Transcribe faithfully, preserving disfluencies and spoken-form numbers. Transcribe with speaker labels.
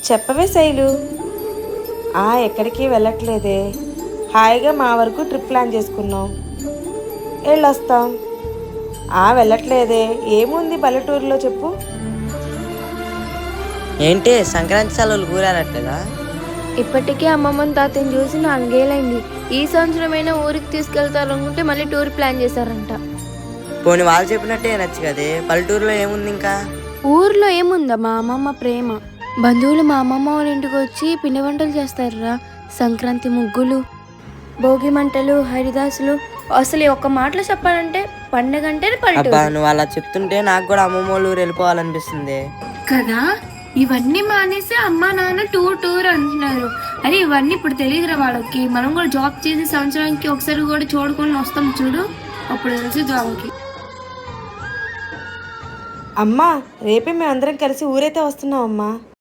Speaker 1: చెప్పవే శైలు. ఆ ఎక్కడికి వెళ్ళట్లేదే, హాయిగా మా వరకు ట్రిప్ ప్లాన్ చేసుకున్నాం, వెళ్ళొస్తాం. ఆ వెళ్ళట్లేదే, ఏముంది పల్లెటూరులో చెప్పు.
Speaker 2: ఏంటి సంక్రాంతి సెలవులు కూరారట్లేదా?
Speaker 3: ఇప్పటికే అమ్మమ్మని తాతని చూసి నాలుగేళ్ళైంది. ఈ సంవత్సరమైనా ఊరికి తీసుకెళ్తారనుకుంటే మళ్ళీ టూర్ ప్లాన్ చేశారంట.
Speaker 2: పోనీ వాళ్ళు చెప్పినట్టే నచ్చు కదే, పల్లెటూరులో ఏముంది ఇంకా?
Speaker 3: ఊర్లో ఏముందా, మా అమ్మమ్మ ప్రేమ. బంధువులు మా అమ్మమ్మ వాళ్ళ ఇంటికి వచ్చి పిండి వంటలు చేస్తారురా. సంక్రాంతి ముగ్గులు, భోగి మంటలు, హరిదాసులు. అసలు ఈ ఒక్క మాటలో చెప్పాలంటే పండగ అంటే
Speaker 2: అబ్బా,
Speaker 3: పల్లెటూరు
Speaker 2: నువ్వు అలా చెప్తుంటే నాకు కూడా అమ్మమ్మ వాళ్ళ ఊరు వెళ్ళిపోవాలనిపిస్తుంది
Speaker 4: కదా. ఇవన్నీ మానేసి అమ్మా నాన్న టూర్ టూర్ అంటున్నారు. అరే ఇవన్నీ ఇప్పుడు తెలియదురా వాళ్ళకి. మనం కూడా జాబ్ చేసి సంవత్సరానికి ఒకసారి కూడా చూడుకొని వస్తాం చూడు, అప్పుడు తెలిసి జాబ్కి.
Speaker 1: అమ్మా, రేపే మేమందరం కలిసి ఊరైతే వస్తున్నాం అమ్మా.